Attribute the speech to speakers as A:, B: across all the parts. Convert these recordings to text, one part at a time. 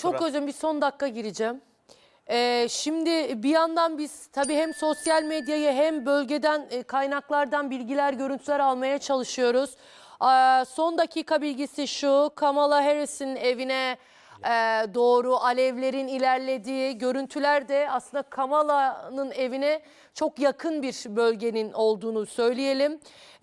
A: Çok özür, bir son dakika gireceğim. Şimdi bir yandan biz tabii hem sosyal medyayı hem bölgeden kaynaklardan bilgiler, görüntüler almaya çalışıyoruz. Son dakika bilgisi şu: Kamala Harris'in evine doğru alevlerin ilerlediği görüntüler de aslında Kamala'nın evine çok yakın bir bölgenin olduğunu söyleyelim.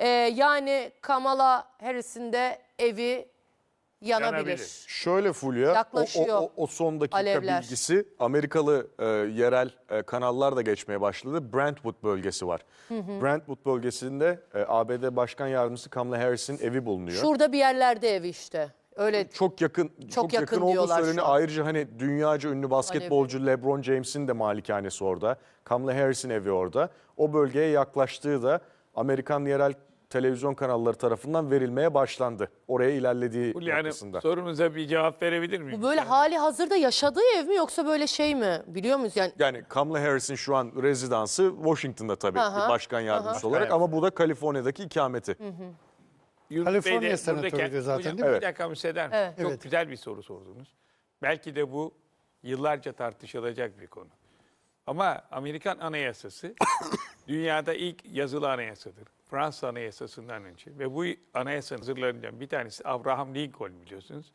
A: Yani Kamala Harris'in de evi yanabilir.
B: Şöyle Fulya,
A: Yaklaşıyor
B: o son dakika
A: alevler.
B: bilgisi Amerikalı yerel kanallar da geçmeye başladı. Brentwood bölgesi var. Brentwood bölgesinde ABD Başkan Yardımcısı Kamala Harris'in evi bulunuyor.
A: Şurada bir yerlerde evi işte. Öyle
B: Çok yakın olduğu
A: diyorlar şu
B: söyleniyor.
A: an.
B: Ayrıca hani dünyaca ünlü basketbolcu LeBron James'in de malikanesi orada. Kamala Harris'in evi orada. O bölgeye yaklaştığı da Amerikan yerel televizyon kanalları tarafından verilmeye başlandı. Oraya ilerlediği noktasında.
C: Sorunuza bir cevap verebilir miyim?
A: Bu böyle hali hazırda yaşadığı ev mi yoksa böyle şey mi? Biliyor muyuz yani?
B: Yani Kamala Harris'in şu an rezidansı Washington'da tabii başkan yardımcısı olarak
C: Evet.
B: ama bu da Kaliforniya'daki ikameti.
C: Yunus
D: Kaliforniya
C: Bey de
D: senatörüydü
C: buradaki-
D: zaten,
C: Hocam,
D: değil mi?
C: Bir dakika müsaade eder misiniz?
A: Evet.
C: Çok güzel bir soru sordunuz. Belki de bu yıllarca tartışılacak bir konu. Ama Amerikan Anayasası dünyada ilk yazılı anayasadır. Fransız Anayasası'ndan önce. Ve bu anayasanın hazırlarından bir tanesi Abraham Lincoln, biliyorsunuz.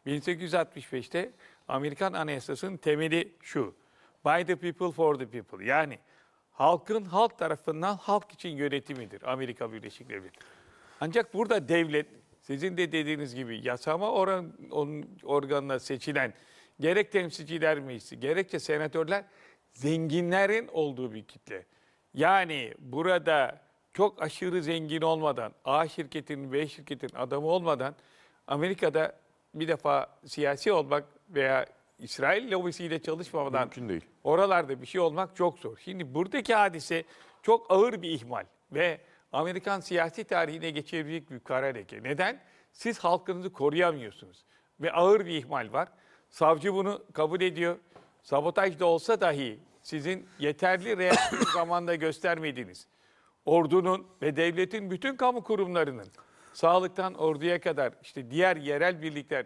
C: 1865'te Amerikan Anayasası'nın temeli şu: By the people for the people. Yani halkın halk tarafından halk için yönetimidir Amerika Birleşik Devletleri. Ancak burada devlet, sizin de dediğiniz gibi yasama organına seçilen gerek temsilciler meclisi, gerekçe senatörler zenginlerin olduğu bir kitle. Yani burada çok aşırı zengin olmadan, A şirketinin, B şirketin adamı olmadan Amerika'da bir defa siyasi olmak veya İsrail lobisiyle çalışmamadan
B: Mümkün değil.
C: oralarda bir şey olmak çok zor. Şimdi buradaki hadise çok ağır bir ihmal ve Amerikan siyasi tarihine geçebilecek bir kara leke. Neden? Siz halkınızı koruyamıyorsunuz ve ağır bir ihmal var. Savcı bunu kabul ediyor. Sabotaj da olsa dahi sizin yeterli reaksiyon zamanda göstermediğiniz, ordunun ve devletin bütün kamu kurumlarının, sağlıktan orduya kadar işte diğer yerel birlikler,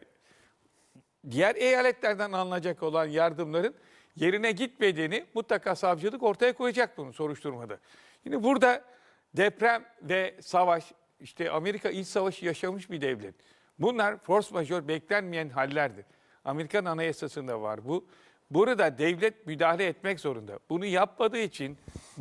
C: diğer eyaletlerden alınacak olan yardımların yerine gitmediğini mutlaka savcılık ortaya koyacak bunu soruşturmada. Şimdi burada deprem ve savaş, işte Amerika iç savaşı yaşamış bir devlet. Bunlar force majeure, beklenmeyen hallerdir. Amerikan Anayasası'nda var bu. Burada devlet müdahale etmek zorunda. Bunu yapmadığı için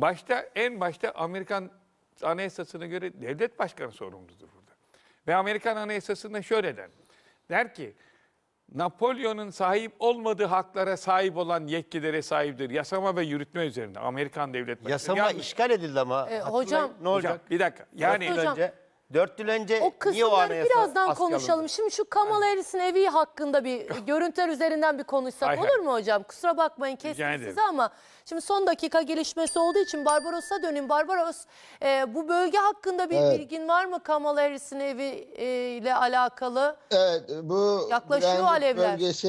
C: en başta Amerikan Anayasası'na göre devlet başkanı sorumludur burada. Ve Amerikan Anayasası'nda şöyle der. Der ki, Napolyon'un sahip olmadığı haklara sahip olan yetkilere sahiptir. Yasama ve yürütme üzerinde Amerikan devlet başkanı.
E: Yasama
C: Yalnız-
E: işgal edildi ama.
A: hocam-
E: Hatırlayın, ne olacak?
C: Hocam, bir dakika. Yani
A: Hocam,
E: 4 yıl önce
A: O
E: niye o
A: kısımları
E: anayasa
A: birazdan
E: askıya
A: konuşalım.
E: alındı?
A: Şimdi şu Kamala Harris'in evi hakkında bir görüntüler üzerinden bir konuşsak
C: Hay
A: olur
C: hay.
A: mu hocam? Kusura bakmayın kestim
C: ederim.
A: sizi ama şimdi son dakika gelişmesi olduğu için Barbaros'a döneyim. Barbaros, bu bölge hakkında bir bilgin var mı Kamala Harris'in evi ile alakalı?
F: Evet, bu
A: Yaklaşıyor
F: Brentwood
A: alevler.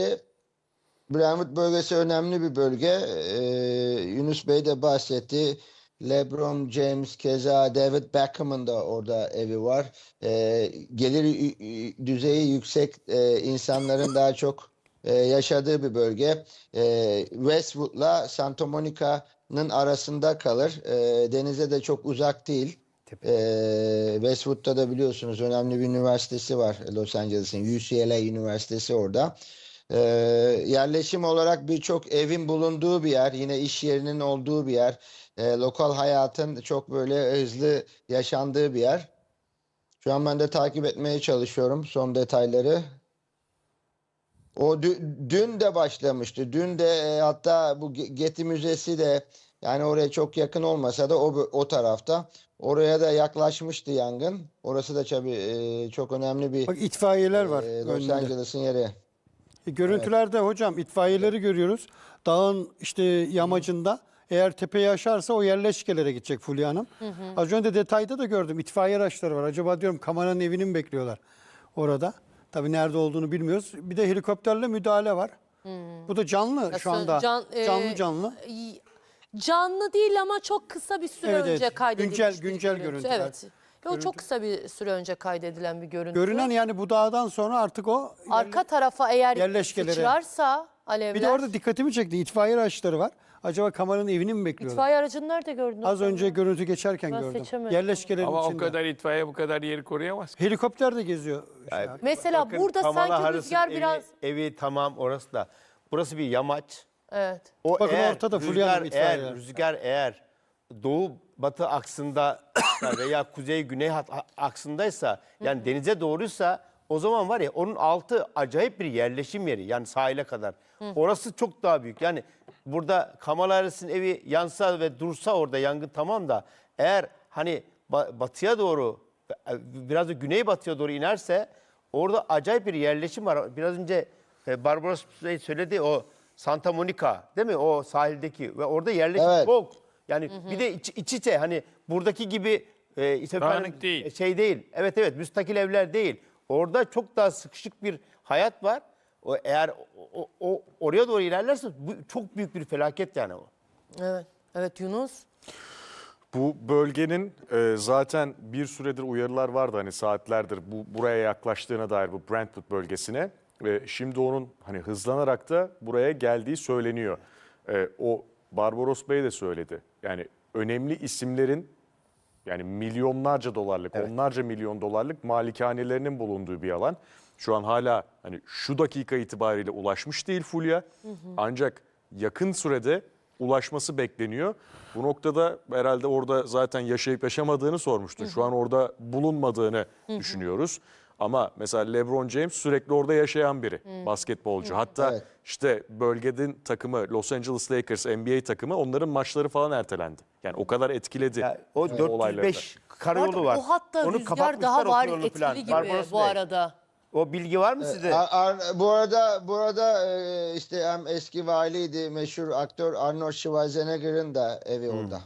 F: Brentwood bölgesi önemli bir bölge. Yunus Bey de bahsetti. LeBron James, keza David Beckham'ın da orada evi var. Gelir düzeyi yüksek insanların daha çok yaşadığı bir bölge. Westwood'la Santa Monica'nın arasında kalır. Denize de çok uzak değil. Westwood'da da biliyorsunuz önemli bir üniversitesi var, Los Angeles'in UCLA Üniversitesi orada. Yerleşim olarak birçok evin bulunduğu bir yer, yine iş yerinin olduğu bir yer, lokal hayatın çok böyle hızlı yaşandığı bir yer. Şu an ben de takip etmeye çalışıyorum son detayları. O dün de başlamıştı. Dün de hatta bu Getty Müzesi de, yani oraya çok yakın olmasa da o tarafta. Oraya da yaklaşmıştı yangın. Orası da tabii çok önemli bir
D: Bak itfaiyeler var
F: Los
D: önünde.
F: Angeles'ın yeri.
D: Görüntülerde hocam itfaiyeleri görüyoruz. Dağın işte yamacında. Eğer tepeyi aşarsa o yerleşkelere gidecek Fulya Hanım. Az önce detayda da gördüm. İtfaiye araçları var. Acaba diyorum Kamala'nın evini mi bekliyorlar orada? Tabii nerede olduğunu bilmiyoruz. Bir de helikopterle müdahale var. Bu da canlı şu anda. Canlı.
A: Canlı değil ama çok kısa bir süre
D: Evet,
A: önce
D: evet.
A: kaydedilmiş
D: Güncel
A: bir görüntü.
D: görüntüler.
A: Evet. O çok kısa bir süre önce kaydedilen bir görüntü.
D: Görünen yani bu dağdan sonra artık o
A: Arka tarafa eğer
D: yerleşkelere-
A: sıçrarsa alevler.
D: Bir de orada dikkatimi çekti. İtfaiye araçları var. Acaba kameranın evini mi bekliyorlar?
A: İtfaiye aracını nerede gördün?
D: Az önce görüntü geçerken
A: Ben
D: gördüm.
A: seçemedim.
D: Yerleşkelerin
C: Ama o
D: içinde.
C: kadar itfaiye bu kadar yeri koruyamaz ki.
D: Helikopter de geziyor.
A: Mesela
E: Bakın,
A: burada
E: Kamala
A: sanki
E: Harris'in
A: rüzgar biraz...
E: evi tamam orası da. Burası bir yamaç.
A: Evet.
E: O
D: Bakın
E: eğer
D: ortada Fulya Hanım itfaiyeler.
E: rüzgar eğer doğu batı aksında veya kuzey güney aksındaysa yani denize doğruysa o zaman var ya onun altı acayip bir yerleşim yeri yani sahile kadar. Orası çok daha büyük. Yani burada Kamala Harris'in evi yansa ve dursa orada yangın tamam da eğer hani batıya doğru biraz da güneybatıya doğru inerse orada acayip bir yerleşim var. Biraz önce Barbaros Bey söyledi o Santa Monica değil mi? O sahildeki ve orada yerleşim
F: Evet.
E: çok. Yani bir de iç içe hani buradaki gibi işte
C: Dağınık değil.
E: şey değil. Evet müstakil evler değil. Orada çok daha sıkışık bir hayat var. O eğer oraya doğru ilerlerse bu çok büyük bir felaket yani o.
A: Evet. Evet Yunus.
B: Bu bölgenin zaten bir süredir uyarılar vardı hani saatlerdir buraya yaklaştığına dair bu Brentwood bölgesine. Şimdi onun hani hızlanarak da buraya geldiği söyleniyor. O Barbaros Bey de söyledi. Yani önemli isimlerin yani milyonlarca dolarlık, onlarca milyon dolarlık malikanelerinin bulunduğu bir alan. Şu an hala hani şu dakika itibariyle ulaşmış değil Fulya. Ancak yakın sürede ulaşması bekleniyor. Bu noktada herhalde orada zaten yaşayıp yaşamadığını sormuştun. Şu an orada bulunmadığını düşünüyoruz. Ama mesela LeBron James sürekli orada yaşayan biri, basketbolcu. Hatta
F: Evet.
B: işte bölgenin takımı Los Angeles Lakers NBA takımı onların maçları falan ertelendi. Yani o kadar etkiledi
E: Ya, o
B: olaylarda.
E: 405 karayolu var.
A: O hatta
E: Onu
A: rüzgar
E: kapatmışlar
A: daha var
E: otoyolunu
A: etkili
E: falan.
A: gibi
E: Barbaros
A: bu
E: Bey,
A: arada.
E: o bilgi var mı sizde?
F: Bu arada işte hem eski valiydi meşhur aktör Arnold Schwarzenegger'ın da evi orada.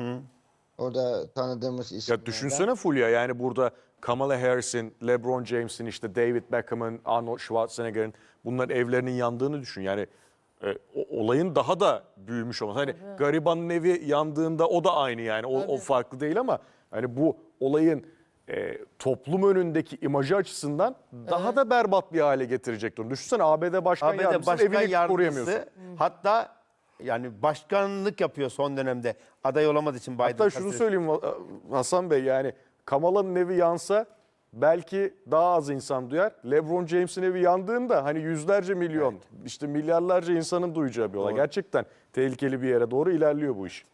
F: Orada tanıdığımız isimlerden.
B: Ya düşünsene Fulya yani burada Kamala Harris'in, LeBron James'in, işte David Beckham'ın, Arnold Schwarzenegger'in bunların evlerinin yandığını düşün. Yani olayın daha da büyümüş olması. Hani garibanın evi yandığında o da aynı yani o farklı değil ama hani bu olayın toplum önündeki imajı açısından daha da berbat bir hale getirecektir. Düşünsene ABD Başkan
E: ABD
B: Yardımcısı
E: Başkan
B: evini koruyamıyorsun.
E: Yardımcısı hatta yani başkanlık yapıyor son dönemde aday olamadığı için Biden.
B: Hatta şunu söyleyeyim Hasan Bey yani Kamala'nın evi yansa belki daha az insan duyar. LeBron James'in evi yandığında hani yüzlerce milyon işte milyarlarca insanın duyacağı bir olay. Gerçekten tehlikeli bir yere doğru ilerliyor bu iş.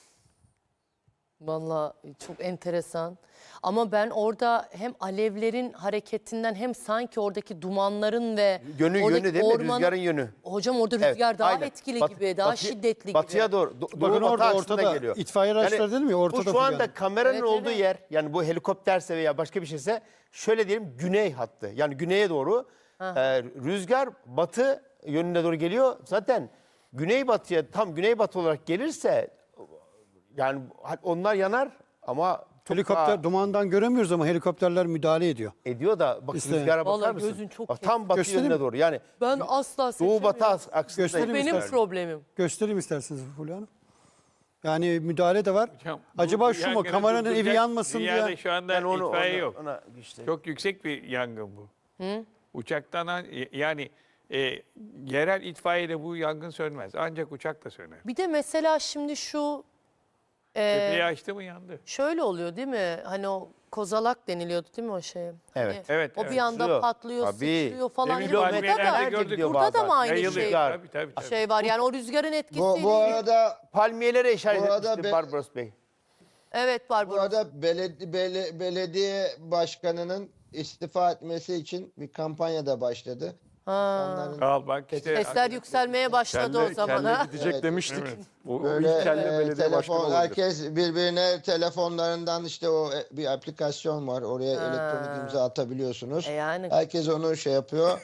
A: Vallahi çok enteresan. Ama ben orada hem alevlerin hareketinden hem sanki oradaki dumanların ve
E: Yönü
A: oradaki
E: değil mi?
A: ormanın-
E: Rüzgarın yönü.
A: Hocam orada
E: Evet,
A: rüzgar daha
E: aynen.
A: etkili
E: Bat-
A: gibi, daha
E: batı-
A: şiddetli
E: batıya
A: gibi.
E: doğru.
D: Bakın
E: Doğu batı
D: orada
E: aksında
D: ortada
E: geliyor.
D: itfaiye araçları değil mi? Ortada
E: bu şu
D: Fulya
E: anda
D: Hanım.
E: kameranın
A: Evet,
E: olduğu
A: evet.
E: yer yani bu helikopterse veya başka bir şeyse şöyle diyelim güney hattı. Yani güneye doğru rüzgar batı yönüne doğru geliyor. Zaten güneybatıya tam güneybatı olarak gelirse yani onlar yanar ama çok
D: Helikopter
E: daha
D: dumandan göremiyoruz ama helikopterler müdahale ediyor.
E: ediyor da bak
D: İşte-
E: rüzgara bakar
A: Vallahi
E: mısın?
A: gözün çok
E: Bak, tam batı
D: Göstereyim
E: yönüne
D: mi?
E: doğru yani
A: Ben asla
E: doğu
A: seçemiyorum.
E: batı aksında.
D: Göstereyim
A: Benim
D: istersen.
A: problemim.
D: Göstereyim isterseniz Fulya Hanım. Yani müdahale de var.
C: Hocam, bu
D: Acaba şu mu?
C: yangını
D: Kameranın evi
C: durduracak
D: yanmasın
C: dünyada
D: diye.
C: şu anda
E: Ben onu
C: itfaiye yok.
E: ona işte.
C: Çok yüksek bir yangın bu. Uçaktan yani yerel itfaiyede bu yangın sönmez. Ancak uçak da söner.
A: Bir de mesela şimdi şu
C: Tepeyi açtı mı yandı.
A: şöyle oluyor değil mi? Hani o kozalak deniliyordu değil mi o şey? Hani
C: Evet,
A: o
C: evet.
A: bir anda
E: Sıçrıyor.
A: patlıyor,
E: Tabii.
A: sıçrıyor falan.
C: Demin
A: Yani burada
C: palmiyelerde
A: da,
C: gördük.
A: burada da mı aynı
C: Yayılıyor.
A: şey,
C: Tabii.
A: şey var? Yani o rüzgarın etkisiyle.
F: Bu arada
E: Palmiyelere işaret
F: Bu arada
E: etmişti Barbaros Bey.
A: Evet
F: Bu
A: Barbaros.
F: arada belediye başkanının istifa etmesi için bir kampanya da başladı. İnsanların
C: Al bak işte.
A: Sesler yükselmeye başladı o zaman.
B: Kelle
A: Ha?
B: gidecek
F: Evet.
B: demiştik. O
F: böyle
B: ilk kelle belediye başkanı olabilir.
F: herkes birbirine telefonlarından işte bir aplikasyon var. Oraya elektronik imza atabiliyorsunuz.
A: Yani.
F: Herkes onu şey yapıyor.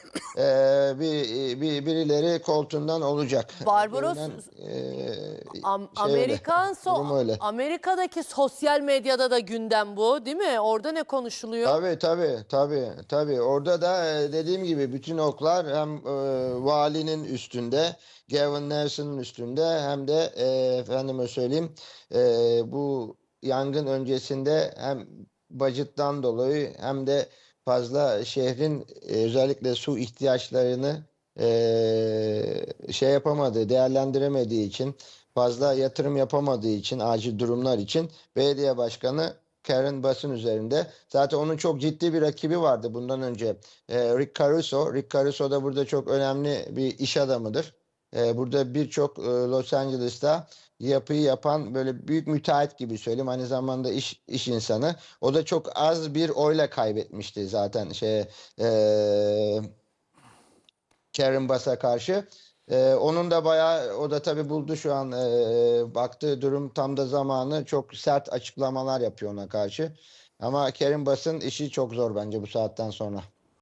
F: Birileri koltuğundan olacak.
A: Barbaros,
F: Durum öyle.
A: Amerika'daki sosyal medyada da gündem bu değil mi? Orada ne konuşuluyor?
F: Tabii. Orada da dediğim gibi bütün oklar hem valinin üstünde, Gavin Newsom'un üstünde hem de efendime söyleyeyim bu yangın öncesinde hem budget'tan dolayı hem de fazla şehrin özellikle su ihtiyaçlarını şey yapamadığı, değerlendiremediği için, fazla yatırım yapamadığı için, acil durumlar için belediye başkanı Karen Bass'ın üzerinde. Zaten onun çok ciddi bir rakibi vardı bundan önce. Rick Caruso. Rick Caruso da burada çok önemli bir iş adamıdır. Burada birçok Los Angeles'ta yapıyı yapan böyle büyük müteahhit gibi söyleyeyim. Aynı zamanda iş insanı. O da çok az bir oyla kaybetmişti zaten Karen Bass'a karşı. Onun da bayağı, o da tabii buldu şu an, baktığı durum tam da zamanı, çok sert açıklamalar yapıyor ona karşı. Ama Karen Bass'ın işi çok zor bence bu saatten sonra.